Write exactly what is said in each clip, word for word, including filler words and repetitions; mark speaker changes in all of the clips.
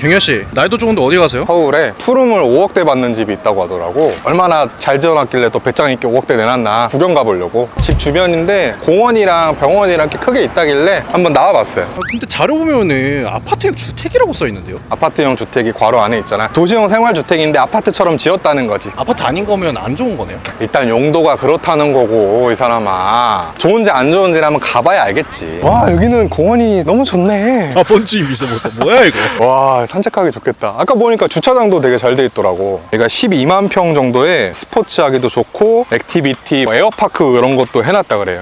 Speaker 1: 경현씨, 나이도 좋은데 어디 가세요?
Speaker 2: 서울에 투룸을 오억대 받는 집이 있다고 하더라고. 얼마나 잘 지어놨길래 또 배짱 있게 오억대 내놨나 구경 가보려고. 집 주변인데 공원이랑 병원이랑 이렇게 크게 있다길래 한번 나와봤어요.
Speaker 1: 아, 근데 자료 보면은 아파트형 주택이라고 써있는데요?
Speaker 2: 아파트형 주택이 괄호 안에 있잖아. 도시형 생활주택인데 아파트처럼 지었다는 거지.
Speaker 1: 아파트 아닌 거면 안 좋은 거네요?
Speaker 2: 일단 용도가 그렇다는 거고, 이 사람아. 좋은지 안 좋은지 한번 가봐야 알겠지. 와, 여기는 공원이 너무 좋네.
Speaker 1: 아, 번지 있어보세요. 뭐야 이거?
Speaker 2: 와, 산책하기 좋겠다. 아까 보니까 주차장도 되게 잘 돼 있더라고. 여기가 십이만 평 정도에 스포츠하기도 좋고 액티비티, 에어파크 이런 것도 해놨다 그래요.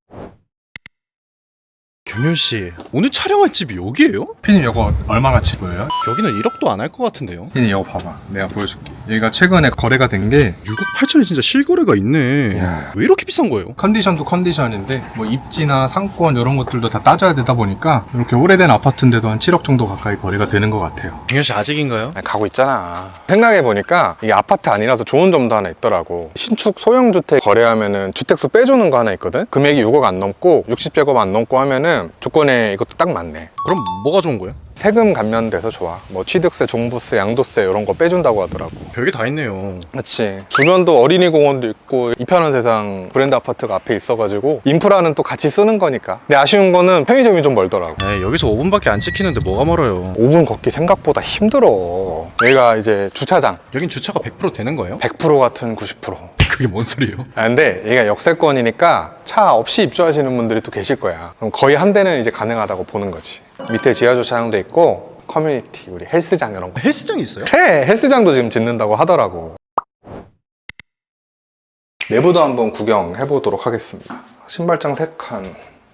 Speaker 1: 경현씨, 오늘 촬영할 집이 여기예요?
Speaker 2: 피디님 이거 얼마가치 보여요?
Speaker 1: 여기는 일억도 안 할 것 같은데요?
Speaker 2: 피디님 이거 봐봐. 내가 보여줄게. 여기가 최근에 거래가 된 게
Speaker 1: 육억 팔천에 진짜 실거래가 있네.
Speaker 2: 이야.
Speaker 1: 왜 이렇게 비싼 거예요?
Speaker 2: 컨디션도 컨디션인데 뭐 입지나 상권 이런 것들도 다 따져야 되다 보니까 이렇게 오래된 아파트인데도 한 칠억 정도 가까이 거래가 되는 것 같아요.
Speaker 1: 경현씨 아직인가요?
Speaker 2: 가고 있잖아. 생각해보니까 이게 아파트 아니라서 좋은 점도 하나 있더라고. 신축 소형주택 거래하면은 주택수 빼주는 거 하나 있거든? 금액이 육억 안 넘고 육십 제곱 안 넘고 하면은 조건에 이것도 딱 맞네.
Speaker 1: 그럼 뭐가 좋은 거예요?
Speaker 2: 세금 감면돼서 좋아. 뭐 취득세, 종부세, 양도세 이런 거 빼준다고 하더라고.
Speaker 1: 별게 다 있네요.
Speaker 2: 그렇지. 주변도 어린이 공원도 있고 이 편한 세상 브랜드 아파트가 앞에 있어가지고 인프라는 또 같이 쓰는 거니까. 근데 아쉬운 거는 편의점이 좀 멀더라고.
Speaker 1: 에이, 여기서 오 분밖에 안 찍히는데 뭐가 멀어요?
Speaker 2: 오 분 걷기 생각보다 힘들어. 여기가 이제 주차장
Speaker 1: 여긴 주차가 백 퍼센트 되는 거예요?
Speaker 2: 백 퍼센트 같은 구십 퍼센트.
Speaker 1: 그게 뭔 소리예요?
Speaker 2: 아, 근데 얘가 역세권이니까 차 없이 입주하시는 분들이 또 계실 거야. 그럼 거의 한 대는 이제 가능하다고 보는 거지. 밑에 지하주차장도 있고 커뮤니티, 우리 헬스장 이런 거.
Speaker 1: 헬스장이 있어요?
Speaker 2: 그래, 헬스장도 지금 짓는다고 하더라고. 내부도 한번 구경해 보도록 하겠습니다. 신발장 세 칸.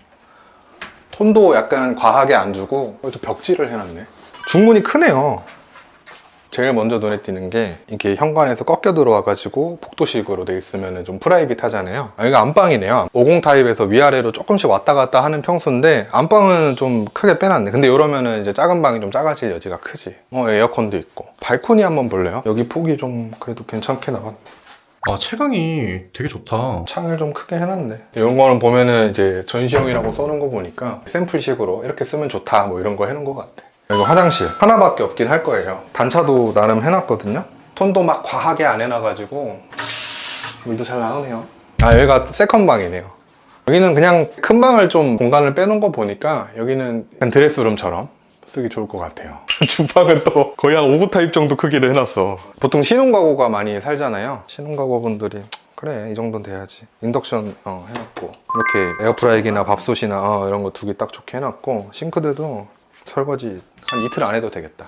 Speaker 2: 톤도 약간 과하게 안 주고 여기도 벽지를 해놨네. 중문이 크네요. 제일 먼저 눈에 띄는 게 이게 현관에서 꺾여 들어와가지고 복도식으로 돼 있으면 좀 프라이빗하잖아요. 여기가 안방이네요. 오십 타입에서 위아래로 조금씩 왔다 갔다 하는 평수인데 안방은 좀 크게 빼놨네. 근데 이러면은 이제 작은 방이 좀 작아질 여지가 크지. 어, 에어컨도 있고. 발코니 한번 볼래요? 여기 폭이 좀 그래도 괜찮게 나왔네.
Speaker 1: 아, 채광이 되게 좋다.
Speaker 2: 창을 좀 크게 해놨네. 이런 거는 보면은 이제 전시용이라고 써놓은 거 보니까 샘플식으로 이렇게 쓰면 좋다 뭐 이런 거 해놓은 것 같아. 이거 화장실 하나밖에 없긴 할 거예요. 단차도 나름 해놨거든요. 톤도 막 과하게 안 해놔가지고 물도 잘 나오네요. 아, 여기가 세컨방이네요. 여기는 그냥 큰 방을 좀 공간을 빼놓은 거 보니까 여기는 그냥 드레스룸처럼 쓰기 좋을 것 같아요. 주방은 또 거의 한 오구 타입 정도 크기를 해놨어. 보통 신혼가구가 많이 살잖아요. 신혼가구분들이 그래, 이 정도는 돼야지. 인덕션 어, 해놨고 이렇게 에어프라이기나 밥솥이나 어, 이런 거 두 개 딱 좋게 해놨고 싱크대도 설거지 한 이틀 안 해도 되겠다.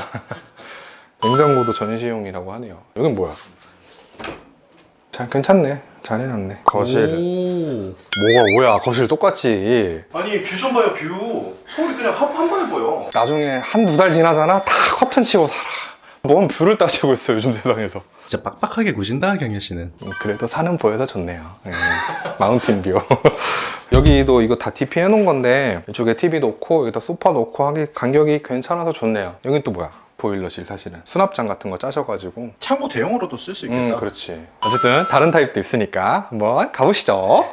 Speaker 2: 냉장고도 전시용이라고 하네요. 여긴 뭐야? 잘 괜찮네. 잘 해놨네. 거실.
Speaker 1: 오.
Speaker 2: 뭐가 뭐야? 거실 똑같지.
Speaker 1: 아니, 뷰 좀 봐요, 뷰. 서울이 그냥 한, 한 방에 보여.
Speaker 2: 나중에 한두 달 지나잖아? 다 커튼 치고 살아. 뭔 뷰를 따지고 있어, 요즘 세상에서.
Speaker 1: 진짜 빡빡하게 구신다, 경현 씨는.
Speaker 2: 그래도 산은 보여서 좋네요. 네. 마운틴 뷰. 여기도 이거 다 디피 해놓은 건데 이쪽에 티비 놓고 여기다 소파 놓고 하기 간격이 괜찮아서 좋네요. 여긴 또 뭐야? 보일러실. 사실은 수납장 같은 거 짜셔가지고.
Speaker 1: 창고 대용으로도 쓸 수 있겠다.
Speaker 2: 음, 그렇지. 어쨌든 다른 타입도 있으니까 한번 가보시죠.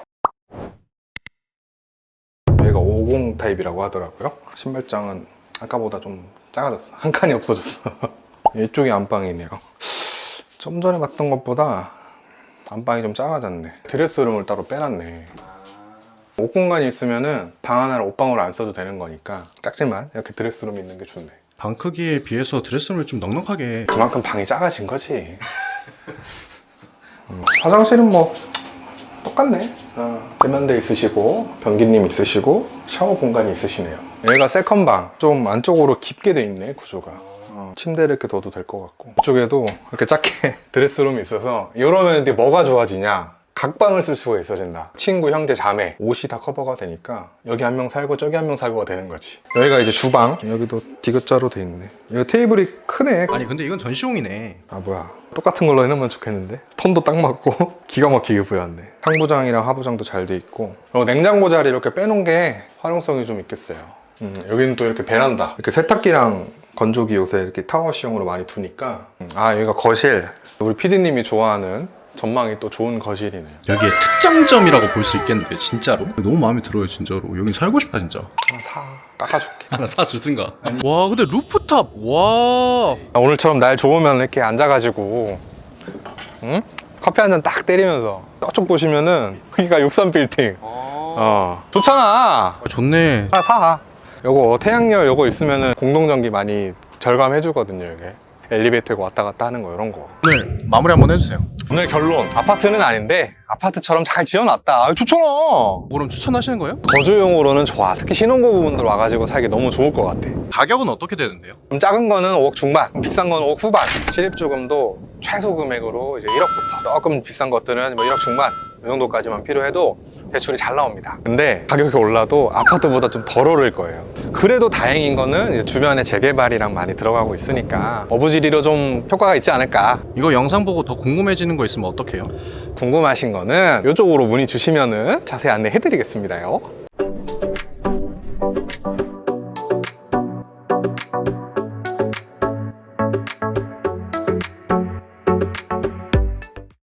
Speaker 2: 여기가 오십 타입이라고 하더라고요. 신발장은 아까보다 좀 작아졌어. 한 칸이 없어졌어. 이쪽이 안방이네요. 좀 전에 봤던 것보다 안방이 좀 작아졌네. 드레스룸을 따로 빼놨네. 옷 공간이 있으면은 방 하나를 옷방으로 안 써도 되는 거니까 작지만 이렇게 드레스룸이 있는 게 좋네.
Speaker 1: 방 크기에 비해서 드레스룸을 좀 넉넉하게.
Speaker 2: 그만큼 방이 작아진 거지. 음, 화장실은 뭐 똑같네. 어, 세면대 있으시고 변기님 있으시고 샤워 공간이 있으시네요. 여기가 세컨방. 좀 안쪽으로 깊게 돼 있네, 구조가. 어, 침대를 이렇게 둬도 될 것 같고 이쪽에도 이렇게 작게 드레스룸이 있어서 이러면 이제 뭐가 좋아지냐? 각방을 쓸 수가 있어진다. 친구, 형제, 자매 옷이 다 커버가 되니까 여기 한 명 살고 저기 한 명 살고가 되는 거지. 여기가 이제 주방. 여기도 디귿자로 돼 있네. 여기 테이블이 크네.
Speaker 1: 아니, 근데 이건 전시용이네.
Speaker 2: 아, 뭐야, 똑같은 걸로 해놓으면 좋겠는데. 톤도 딱 맞고 기가 막히게 보였네. 상부장이랑 하부장도 잘 돼 있고 그리고 냉장고 자리 이렇게 빼놓은 게 활용성이 좀 있겠어요. 음, 여기는 또 이렇게 베란다. 이렇게 세탁기랑 건조기 요새 이렇게 타워시형으로 많이 두니까. 음, 아, 여기가 거실. 우리 피디님이 좋아하는 전망이 또 좋은 거실이네요.
Speaker 3: 여기에 특장점이라고 볼 수 있겠는데 진짜로? 너무 마음에 들어요 진짜로. 여긴 살고 싶다 진짜.
Speaker 2: 하나 사 깎아줄게.
Speaker 3: 하나 사주든가. 와 근데 루프탑 와.
Speaker 2: 오늘처럼 날 좋으면 이렇게 앉아가지고 응? 커피 한 잔 딱 때리면서 저쪽 보시면은 여기가 육삼 빌딩. 어 좋잖아.
Speaker 3: 아, 좋네.
Speaker 2: 하나 사. 요거 태양열 요거 있으면은 공동전기 많이 절감해 주거든요. 이게 엘리베이터 왔다 갔다 하는 거 이런 거.
Speaker 3: 오늘 마무리 한번 해주세요.
Speaker 2: 오늘 결론, 아파트는 아닌데 아파트처럼 잘 지어놨다. 아, 좋잖아.
Speaker 3: 그럼 추천하시는 거예요?
Speaker 2: 거주용으로는 좋아. 특히 신혼부부분들 와가지고 살기 너무 좋을 것 같아.
Speaker 3: 가격은 어떻게 되는데요?
Speaker 2: 좀 작은 거는 오억 중반, 비싼 거는 오억 후반. 실입주금도 최소 금액으로 이제 일억부터, 조금 비싼 것들은 뭐 일억 중반 이 정도까지만 필요해도 대출이 잘 나옵니다. 근데 가격이 올라도 아파트보다 좀 덜 오를 거예요. 그래도 다행인 거는 이제 주변에 재개발이랑 많이 들어가고 있으니까 어부지리로 좀 효과가 있지 않을까.
Speaker 3: 이거 영상 보고 더 궁금해지는 거 있으면 어떡해요?
Speaker 2: 궁금하신 거는 이쪽으로 문의 주시면은 자세히 안내해 드리겠습니다.